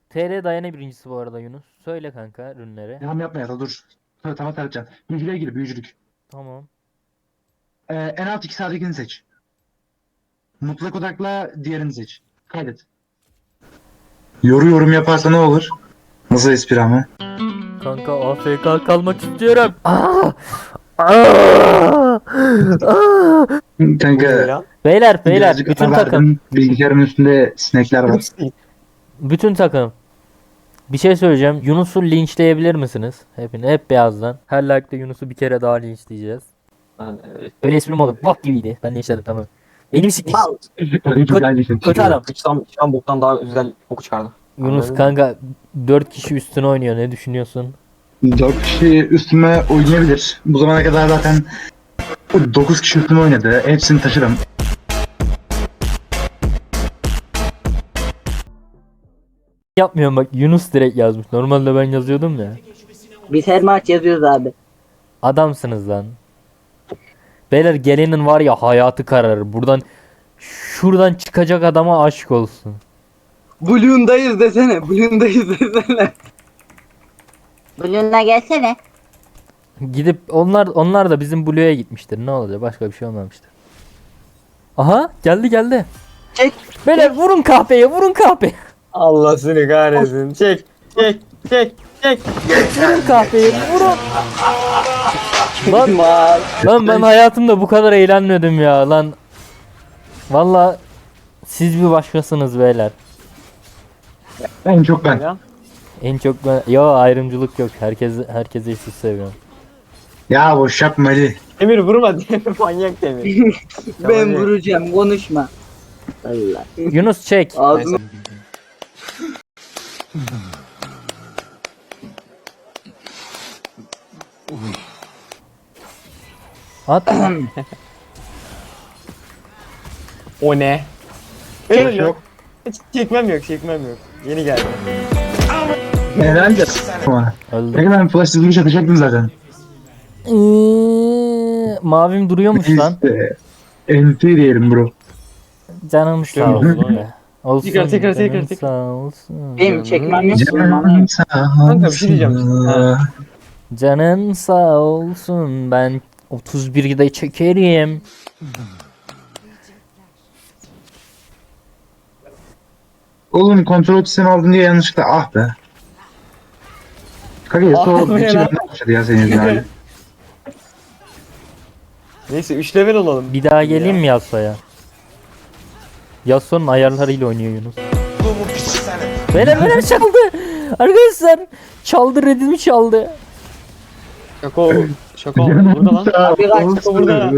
TR dayana birincisi bu arada Yunus. Söyle kanka ürünleri. Yapma ya da dur. Tamam tartacağım. Büyücülüğe gir büyücülük. Tamam. En alt iki sağdakini seç. Mutlak odakla diğerini seç. Kaydet. Yorum yaparsa ne olur? Nasıl espri ama? Kanka AFK kalmak istiyorum. Aa! Kanka lan? Beyler birazcık bütün ara takım. verdim. Bilgisayarın üstünde sinekler var. Bütün takım. Bir şey söyleyeceğim. Yunus'u linçleyebilir misiniz? Hep beyazdan. Her like'da Yunus'u bir kere daha linçleyeceğiz. Öyle esprim olur. Bok gibiydi. Ben linçledim tamam. Benim siktir. Güzel bir şey. Kötü adam. Sıçan boktan daha güzel boku çıkardı. Yunus Anladın mı? kanka 4 kişi üstüne oynuyor. Ne düşünüyorsun? 4 kişi üstüme oynayabilir. Bu zamana kadar zaten 9 kişi üstüme oynadı. Hepsini taşırım. Yapmıyorum bak Yunus direkt yazmış. Normalde ben yazıyordum ya. Biz her maç yazıyoruz abi. Adamsınız lan. Beyler gelenin var ya hayatı kararır. Şuradan çıkacak adama aşk olsun. Bloom'dayız desene. Bloom'dayız desene. Bloom'da gelsene. Gidip onlar da bizim Blue'ya gitmiştir. Ne olacak? Başka bir şey olmamıştır. Aha geldi. Çek. Beyler vurun kahpeye. Allah seni kahretsin. Çek. Vurun kahpeyi vurun. Lan, Mal. lan ben hayatımda bu kadar eğlenmedim ya lan. Valla siz bir başkasınız beyler. En çok ben. Ya. En çok ben... Yo ayrımcılık yok. Herkese eşit seviyorum. Ya boş yapma Ali. Demir vurma Demir manyak Demir. Ben vuracağım konuşma. Allah. Yunus çek. Ağzını At. O ne? Çok yok. Hiç çekmem yok. Yeni geldi. Herhalde. Ama. Öldü. Peki ben flash hızlı atacaktım zaten. Mavim duruyormuş lan. İşte. NT diyelim bro. Canım sağ Şöyle olsun oldu. be. Olsun. Tekrar. Canım sağ olsun. benim çekmem yok. Canım sağ Kanka bir şey diyeceğim. Ha. Canın sağ olsun. Ben 31'de çekerim. Oğlum kontrol sistemi aldın diye yanlışlıkla ah be. Kanka Ah Yasuo be bir lan. benden başladı ya senin yüzünden. Neyse 3 level olalım. Bir daha geleyim mi Yasuo'ya? Yasuo'nun ayarlarıyla oynuyor Yunus. Beyler çaldı. Arkadaşlar çaldı redimi çaldı. Şaka burada lan. Sağ Abi kaç, olsun. burada.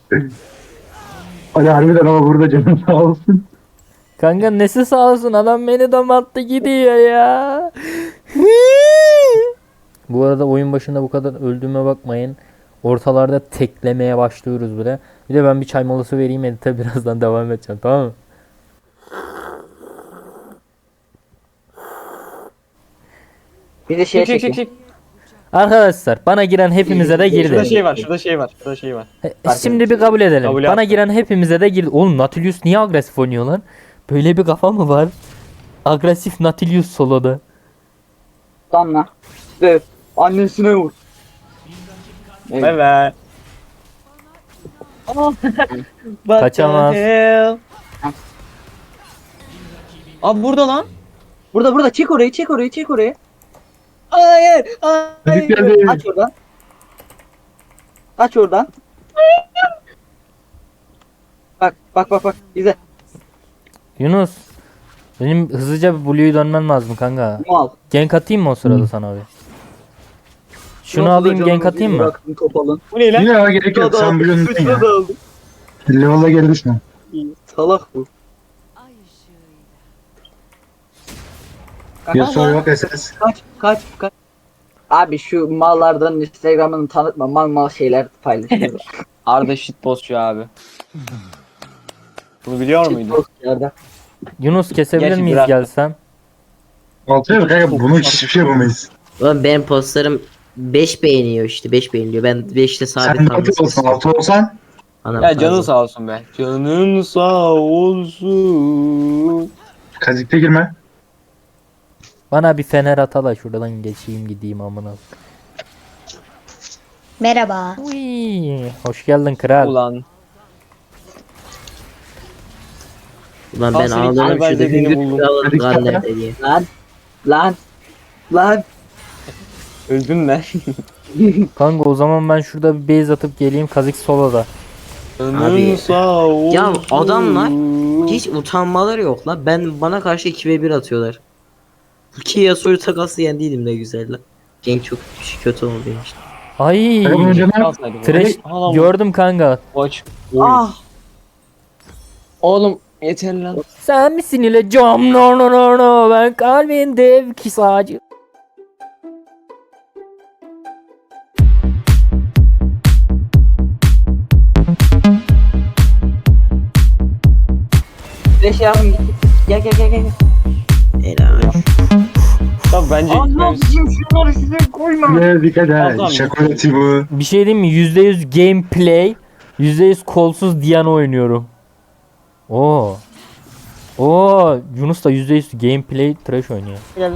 Ali harbiden ama burada canım sağ olsun. Kanka nesi sağ olsun adam beni damattı gidiyor ya. Bu arada oyun başında bu kadar öldüğüme bakmayın. Ortalarda teklemeye başlıyoruz bile. Bir de ben bir çay molası vereyim edite birazdan devam edeceğim tamam mı? Bir de şey Çek. Arkadaşlar bana giren hepimize de Şurada girdi. şey var. Şimdi bir kabul edelim. Kabul Bana yaptım. giren hepimize de girdi. Oğlum Nautilus niye agresif oynuyor lan? Böyle bir kafa mı var? Agresif Nautilus soloda. Damla. Döv. Annesine vur. Evet. Evet. Kaçamaz. Abi burada lan. Burada çek orayı. Hayır. Çocuk geldi. Aç oradan. Bak. İzle. Yunus. Benim hızlıca bir Blue'yu dönmem lazım kanka. Mal. Gank atayım mı o sırada sana abi? Şunu alayım gank atayım mı? Bıraktım topalın. Bu ne lan? Yine ama gerek yok. Sen biliyorsun ya. aldı. Level'a geri düşme. Salak bu. Yasuo yok SS. Kaç. Abi şu mallardan Instagram'ını tanıtma. Mal şeyler paylaşıyor. Arda shitpostçu abi. Bunu biliyor muydun? Postlerde. Yunus kesebilir Gerçi miyiz biraz- gelsem? Altıya bak kanka bunu hiçbir şey yapamayız. Ulan benim postlarım 5 beğeniyor işte 5 beğeniliyor. Ben 5'te Sen sabit altı kalmasını olsan istiyorum. 6 olsan Anam Ya fazla. canın sağ olsun be. Canın sağ olsun. kazikte girme. Bana bir fener atala şuradan geçeyim gideyim amına. Merhaba. Uy, hoş geldin kral. Ulan. Ulan ben Aslında ağlarım iki şurada belde beni hüngür buldum. kralım Hadi lan git nerede diye. Lan. Öldüm ben. Kanka o zaman ben şurada bir base atıp geleyim Kazik soloda. Canın sağ olsun. Ya adamlar hiç utanmaları yok la. Bana karşı 2v1 atıyorlar. Ki Yasuo'yu takası yendiydim ne güzel la. Gank çok kötü oldu benim işte. Ay. Takım önce ne yap? Alsaydı bu. Trash Al, al. gördüm kanka. Aç. Ah. Oğlum yeter lan. Sen misin ile cam no no no no ben kalbin dev ki sağcı. Beş yardım git. Gel. Helal. Tabii bence Anlatayım şunları size koyma. Ne dikkat Adam. et. Şakolati bu. Bir şey diyeyim mi? %100 gameplay, %100 kolsuz Diana oynuyorum. Oo. Oo, Yunus da %100 gameplay trash oynuyor.